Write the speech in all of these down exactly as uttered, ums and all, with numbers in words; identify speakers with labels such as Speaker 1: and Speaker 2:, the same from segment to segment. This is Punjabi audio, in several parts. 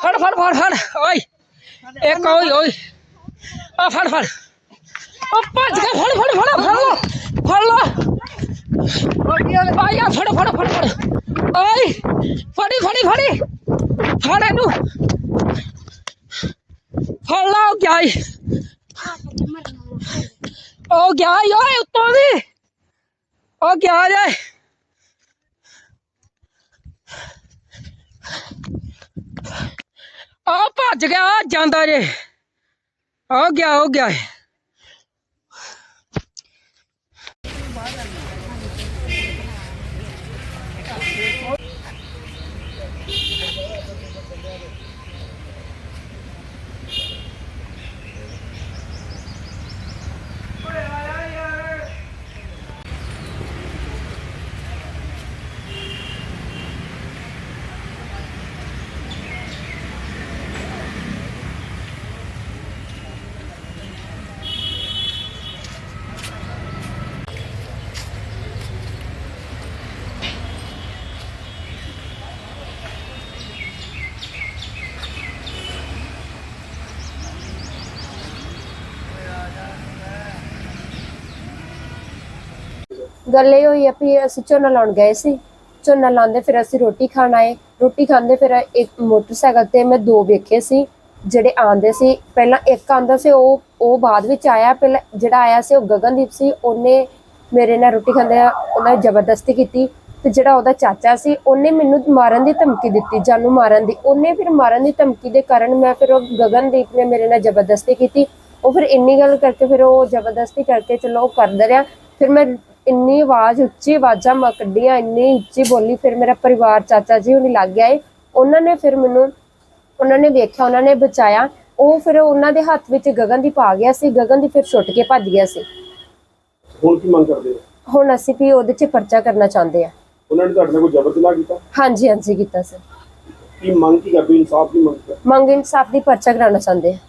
Speaker 1: फड़ फड़ फड़ फड़ ओए एक ओए ओए आ फड़ फड़ ओ भज के फड़ फड़ फड़ फड़ लो फड़ लो आ यार फड़ फड़ फड़ फड़ ओए फड़ी फड़ी फड़ी फड़ इनू फड़ ला गया ओ गया ओए उत्तों दी ओ गया जाए आ भज गया जांदा जे आ गया हो गया
Speaker 2: गल ये हुई है भी असीं झोना लाउण गए सी झोना लांदे फिर असीं रोटी खाण आए रोटी खांदे फिर एक मोटरसाइकिल ते मैं दो वेखे सी ਜਿਹੜੇ ਆਂਦੇ ਸੀ ਪਹਿਲਾਂ ਇੱਕ ਆਂਦਾ ਸੀ ਉਹ ਉਹ ਬਾਅਦ ਵਿੱਚ ਆਇਆ ਪਹਿਲਾਂ ਜਿਹੜਾ ਆਇਆ ਸੀ ਉਹ ਗਗਨਦੀਪ ਸੀ ਉਹਨੇ ਮੇਰੇ ਨਾਲ ਰੋਟੀ ਖਾਂਦੇ ਉਹਨਾਂ ਜ਼ਬਰਦਸਤੀ ਕੀਤੀ ਤੇ ਜਿਹੜਾ ਉਹਦਾ ਚਾਚਾ ਸੀ ਉਹਨੇ ਮੈਨੂੰ ਮਾਰਨ ਦੀ ਧਮਕੀ ਦਿੱਤੀ ਜਾਨੂ ਮਾਰਨ ਦੀ ਉਹਨੇ ਫਿਰ ਮਾਰਨ ਦੀ ਧਮਕੀ ਦੇ ਕਾਰਨ ਮੈਂ ਫਿਰ ਉਹ ਗਗਨਦੀਪ ਨੇ ਮੇਰੇ ਨਾਲ ਜ਼ਬਰਦਸਤੀ ਕੀਤੀ ਉਹ ਫਿਰ ਇੰਨੀ ਗੱਲ ਕਰਕੇ ਫਿਰ ਉਹ ਜ਼ਬਰਦਸਤੀ ਕਰਕੇ ਚਲੋ ਉਹ ਕਰਦਾ ਰਿਹਾ ਫਿਰ ਮੈਂ ਇੰਨੀ ਆਵਾਜ਼ ਉੱਚੀ ਆਵਾਜ਼ਾਂ ਮੈਂ ਕੱਢੀਆਂ ਇੰਨੀ ਉੱਚੀ ਬੋਲੀ ਫਿਰ ਮੇਰਾ ਪਰਿਵਾਰ ਚਾਚਾ ਜੀ ਉਹਨੇ ਲੱਗ ਗਿਆ ਉਹਨਾਂ ਨੇ ਫਿਰ ਮੈਨੂੰ ਉਹਨਾਂ ਨੇ ਵੇਖਿਆ ਉਹਨਾਂ ਨੇ ਬਚਾਇਆ ਉਹ ਫਿਰ ਉਹਨਾਂ ਦੇ ਹੱਥ ਵਿੱਚ ਗਗਨਦੀਪ ਆ ਗਿਆ ਸੀ ਗਗਨਦੀਪ ਫਿਰ ਛੁੱਟ ਕੇ ਭੱਜ ਗਿਆ ਸੀ
Speaker 3: ਹੁਣ ਕੀ ਮੰਗ ਕਰਦੇ ਹੋ
Speaker 2: ਹੁਣ ਅਸੀਂ ਵੀ ਉਹਦੇ 'ਚ ਪਰਚਾ ਕਰਨਾ ਚਾਹੁੰਦੇ ਆ
Speaker 3: ਉਹਨਾਂ ਨੇ ਤੁਹਾਡੇ ਨਾਲ ਕੋਈ ਜ਼ਬਰ ਜਨਾਹ ਕੀਤਾ
Speaker 2: ਹਾਂਜੀ ਹਾਂਜੀ ਕੀਤਾ ਸਰ
Speaker 3: ਕੀ ਮੰਗ ਕੀ ਕਰਦੇ ਇਨਸਾਫ ਦੀ ਮੰਗ ਕਰ
Speaker 2: ਮੰਗ ਇਨਸਾਫ ਦੀ ਪਰਚਾ ਕਰਾਉਣਾ ਚਾਹੁੰਦੇ ਆ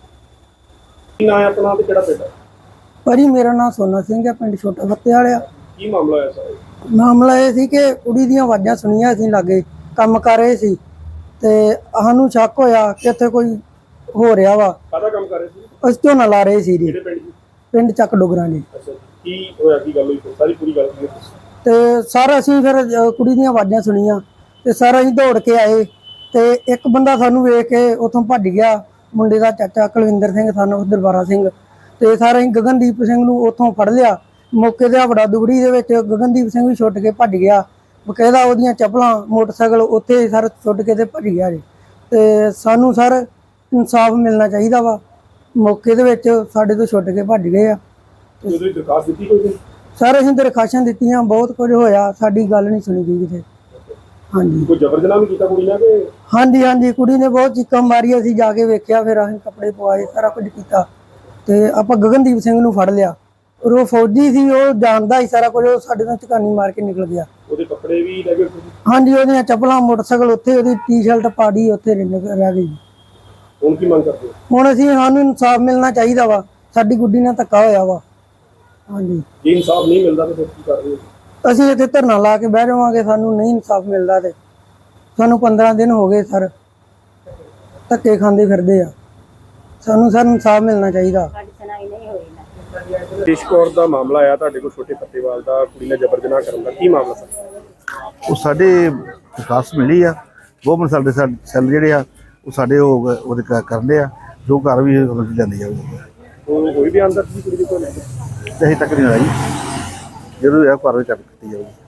Speaker 3: ਕੀ ਨਾਂ ਹੈ ਆਪਣਾ ਤੇ ਕਿਹੜਾ ਪਿੰਡ ਹੈ
Speaker 4: ਭਾਜੀ ਮੇਰਾ ਨਾਮ ਸੋਨਾ ਸਿੰਘ ਹੈ ਪਿੰਡ ਛੋਟਾ ਫੱਤੇ ਵਾਲਿਆ
Speaker 3: ਕੀ ਮਾਮਲਾ ਹੋਇਆ ਸਾਰਾ
Speaker 4: ਮਾਮਲਾ ਇਹ ਸੀ ਕਿ ਕੁੜੀ ਦੀਆਂ ਆਵਾਜ਼ਾਂ ਸੁਣੀਆਂ ਅਸੀਂ ਲਾਗੇ ਕੰਮ ਕਰ ਰਹੇ ਸੀ ਤੇ ਸਾਨੂੰ ਸ਼ੱਕ ਹੋਇਆ ਕਿ ਇੱਥੇ ਕੋਈ ਹੋ ਰਿਹਾ ਵਾ
Speaker 3: ਕਾਹਦਾ ਕੰਮ ਕਰ ਰਹੇ ਸੀ
Speaker 4: ਅਸੀਂ ਝੋਨਾ ਲਾ ਰਹੇ ਸੀ ਜੀ
Speaker 3: ਕਿਹੜੇ ਪਿੰਡ ਦੀ
Speaker 4: ਪਿੰਡ ਚੱਕ ਡੋਗਰਾਂ ਜੀ
Speaker 3: ਅੱਛਾ ਕੀ ਹੋਇਆ ਕੀ ਗੱਲ ਹੋਈ ਸਾਰੀ ਪੂਰੀ ਗੱਲ ਕੀ
Speaker 4: ਤੇ ਸਰ ਅਸੀਂ ਫਿਰ ਅ, ਕੁੜੀ ਦੀਆਂ ਆਵਾਜ਼ਾਂ ਸੁਣੀਆਂ ਤੇ ਸਰ ਅਸੀਂ ਦੌੜ ਕੇ ਆਏ ਤੇ ਇੱਕ ਬੰਦਾ ਸਾਨੂੰ ਵੇਖ ਕੇ ਉੱਥੋਂ ਭੱਜ ਗਿਆ ਮੁੰਡੇ ਦਾ ਚਾਚਾ ਕੁਲਵਿੰਦਰ ਸਿੰਘ ਸਾਨੂੰ ਦਰਬਾਰਾ ਸਿੰਘ ਤੇ ਸਰ ਅਸੀਂ ਗਗਨਦੀਪ ਸਿੰਘ ਨੂੰ ਉੱਥੋਂ ਫੜ ਲਿਆ ਮੌਕੇ ਤੇ ਬੜਾ ਦੁਗੜੀ ਦੇ ਵਿੱਚ ਗਗਨਦੀਪ ਸਿੰਘ ਵੀ ਛੁੱਟ ਕੇ ਭੱਜ ਗਿਆ ਬਕਾਇਦਾ ਉਹਦੀਆਂ ਚੱਪਲਾਂ ਮੋਟਰਸਾਈਕਲ ਉੱਥੇ ਸਰ ਛੁੱਟ ਕੇ ਤੇ ਭੱਜ ਗਿਆ ਜੀ ਤੇ ਸਾਨੂੰ ਸਰ ਇਨਸਾਫ ਮਿਲਣਾ ਚਾਹੀਦਾ ਵਾ ਮੌਕੇ ਦੇ ਵਿੱਚ ਸਾਡੇ ਤੋਂ ਛੁੱਟ ਕੇ ਭੱਜ ਗਏ ਆ
Speaker 3: ਉਹਦੀ ਦਰਖਾਸਤ ਦਿੱਤੀ ਕੋਈ
Speaker 4: ਸਰ ਅਸੀਂ ਦਰਖਾਸ਼ਾਂ ਦਿੱਤੀਆਂ ਬਹੁਤ ਕੁਝ ਹੋਇਆ ਸਾਡੀ ਗੱਲ ਨਹੀਂ ਸੁਣੀ ਗਈ ਕਿਤੇ ਹਾਂਜੀ
Speaker 3: ਕੋਈ ਜ਼ਬਰ ਜਨਾਹ ਵੀ ਕੀਤਾ ਕੁੜੀ ਨਾਲ ਕਿ
Speaker 4: ਹਾਂਜੀ ਹਾਂਜੀ ਕੁੜੀ ਨੇ ਬਹੁਤ ਚੀਕਾਂ ਮਾਰੀਆਂ ਅਸੀਂ ਜਾ ਕੇ ਵੇਖਿਆ ਫਿਰ ਅਸੀਂ ਕੱਪੜੇ ਪਵਾਏ ਸਾਰਾ ਕੁਝ ਕੀਤਾ ਤੇ ਆਪਾਂ ਗਗਨਦੀਪ ਸਿੰਘ ਨੂੰ ਫੜ ਲਿਆ ਔਰ ਉਹ ਫੌਜੀ ਸੀ ਉਹ ਜਾਣਦਾ ਹੀ ਸਾਰਾ ਕੁਝ ਉਹ ਸਾਡੇ ਤੋਂ ਝਕਾਨੀ ਮਾਰ ਕੇ ਨਿਕਲ ਗਿਆ
Speaker 3: ਉਹਦੇ ਕੱਪੜੇ ਵੀ ਲੈ ਗਏ
Speaker 4: ਹਾਂਜੀ ਉਹਦੀਆਂ ਚੱਪਲਾਂ ਮੋਟਰਸਾਈਕਲ ਉੱਥੇ ਉਹਦੀ ਟੀ-ਸ਼ਰਟ ਪਾੜੀ ਉੱਥੇ ਰਹਿ ਗਈ
Speaker 3: ਹੁਣ ਕੀ ਮੰਗ ਕਰਦੇ ਹੋ
Speaker 4: ਹੁਣ ਅਸੀਂ ਸਾਨੂੰ ਇਨਸਾਫ ਮਿਲਣਾ ਚਾਹੀਦਾ ਵਾ ਸਾਡੀ ਗੁੱਡੀ ਨਾਲ ਧੱਕਾ ਹੋਇਆ ਵਾ ਹਾਂਜੀ
Speaker 3: ਜੇ ਇਨਸਾਫ ਨਹੀਂ ਮਿਲਦਾ ਤਾਂ ਫਿਰ ਕੀ ਕਰਦੇ ਹੋ
Speaker 4: ਅਸੀਂ ਇੱਥੇ ਧਰਨਾ ਲਾ ਕੇ ਬਹਿ ਜਾਵਾਂਗੇ ਸਾਨੂੰ ਨਹੀਂ ਇਨਸਾਫ ਮਿਲਦਾ ਤੇ ਸਾਨੂੰ ਪੰਦਰਾਂ ਦਿਨ ਹੋ ਗਏ ਸਰ ਧੱਕੇ ਖਾਂਦੇ ਫਿਰਦੇ ਆ ਸਾਨੂੰ ਸਰ ਇਨਸਾਫ ਮਿਲਣਾ ਚਾਹੀਦਾ
Speaker 3: ਦੇਸ਼ ਕੌਰ ਦਾ ਮਾਮਲਾ ਆਇਆ ਤੁਹਾਡੇ ਕੋਲ ਛੋਟੇ ਫੱਤੇਵਾਲ ਦਾ ਕੁੜੀ ਨਾਲ ਜ਼ਬਰ ਜਨਾਹ ਕਰਨ ਦਾ ਕੀ ਮਾਮਲਾ ਸਰ
Speaker 5: ਉਹ ਸਾਡੇ ਵਿਕਾਸ ਮਿਲੀ ਆ ਗਵਰਨਮੈਂਟ ਸਾਡੇ ਸੈੱਲ ਜਿਹੜੇ ਆ ਉਹ ਸਾਡੇ ਉਹ ਉਹਦੇ ਕਰਦੇ ਆ ਜੋ ਘਰ ਵੀ ਜਾਂਦੀ ਆ
Speaker 3: ਉਹ ਕੋਈ ਵੀ ਆਂਦਾ ਸੀ ਕੁੜੀ ਦੇ ਕੋਲ
Speaker 5: ਤੇ ਅਜੇ ਤੱਕ ਨਹੀਂ ਆਈ ਜਦੋਂ ਇਹ ਘਰ ਵਿੱਚ ਚੱਕ ਕੀਤੀ ਜਾਊਗੀ।